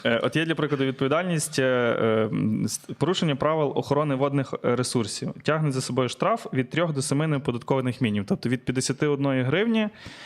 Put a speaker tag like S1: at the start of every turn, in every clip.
S1: От є, для прикладу, відповідальність порушення правил охорони водних ресурсів. Тягне за собою штраф від 3 до 7 неоподаткованих мінімумів. Тобто від 51 гривні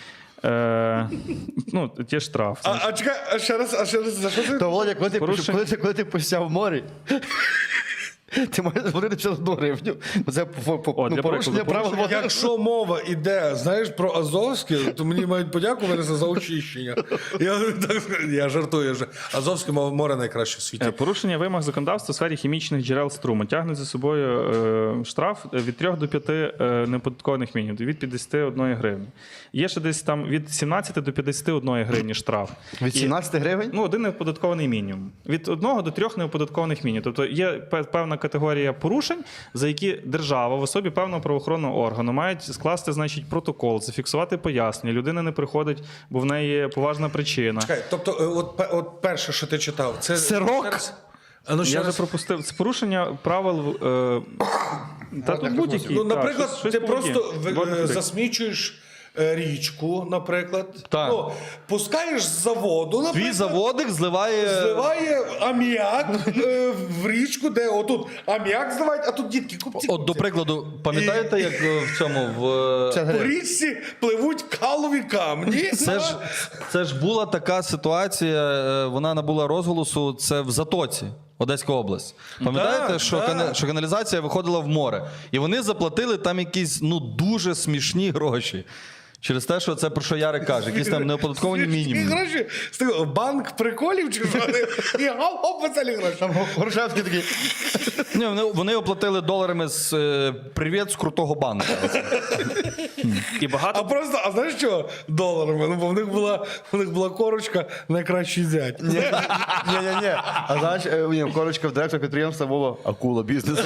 S1: ну, є штраф.
S2: А чекай, а ще раз, за що ти?
S3: То, Володя, коли ти посяв в морі, ти можеш заплатити 51 гривню. Це
S1: для
S3: порушення
S1: прикладу,
S3: правил водних.
S2: Якщо мова йде, знаєш, про Азовське, то мені мають подякуватися за очищення. Я жартую. Азовське море найкраще в світі.
S1: Порушення вимог законодавства у сфері хімічних джерел струму тягне за собою штраф від 3 до 5 неоподаткованих мінімумів, від 51 гривні. Є ще десь там від 17 до 51 гривні штраф.
S3: Від 17 гривень?
S1: Ну, один неоподаткований мінімум. Від 1 до 3 неоподаткованих мінімумів. Тобто є певна категорія порушень, за які держава в особі певного правоохоронного органу мають скласти, значить, протокол, зафіксувати пояснення. Людина не приходить, бо в неї поважна причина.
S2: Чекай, тобто, от перше, що ти читав, це...
S3: Сирок?
S2: А ну, ще
S1: Я вже
S2: раз.
S1: пропустив. Це порушення правил та тут будь-які.
S2: Ну,
S1: так,
S2: наприклад,
S1: щось
S2: ти
S1: по воді.
S2: просто
S1: Водних риб.
S2: засмічуєш річку, наприклад.
S4: Так.
S2: Ну, пускаєш з заводу,
S4: Твій
S2: наприклад.
S4: заводик
S2: Зливає аміак в річку, де отут аміак зливають, а тут дітки купці.
S4: От, до прикладу, пам'ятаєте, як в цьому в
S2: По річці пливуть калові камні.
S4: це ж була така ситуація, вона набула розголосу. Це в Затоці, Одеська область. Пам'ятаєте,
S2: Так,
S4: що
S2: так.
S4: що каналізація виходила в море, і вони заплатили там якісь дуже смішні гроші. Через те, що це про що Ярик каже, якісь там неоподатковані
S2: І
S4: мінімуми.
S2: гроші, банк приколів чи що? І гоп, веселі гроші.
S3: Там Грушевський такий.
S4: Ні, вони оплатили доларами з «Привіт з крутого банка».
S1: І багато
S2: А знаєш що? Доларами. Ну, бо в них була корочка найкращий зять.
S3: Ні. А знаєш, корочка в директора підприємства було акула бізнесу.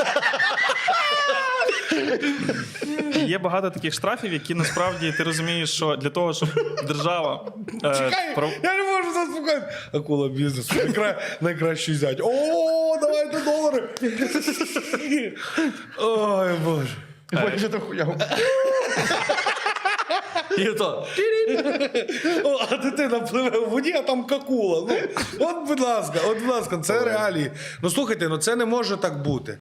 S1: є багато таких штрафів, які насправді ти розумієш, що для того, щоб держава
S2: Чекай, я не можу заспокоїти. Акула бізнесу. Найкращий зять. О, давайте долари. Ой, Боже.
S3: Ой, що ти хуяв.
S4: І то.
S2: О, а дитина пливе в воді, а там какула. Ну, от, будь ласка, це реалії. Ну, слухайте, це не може так бути.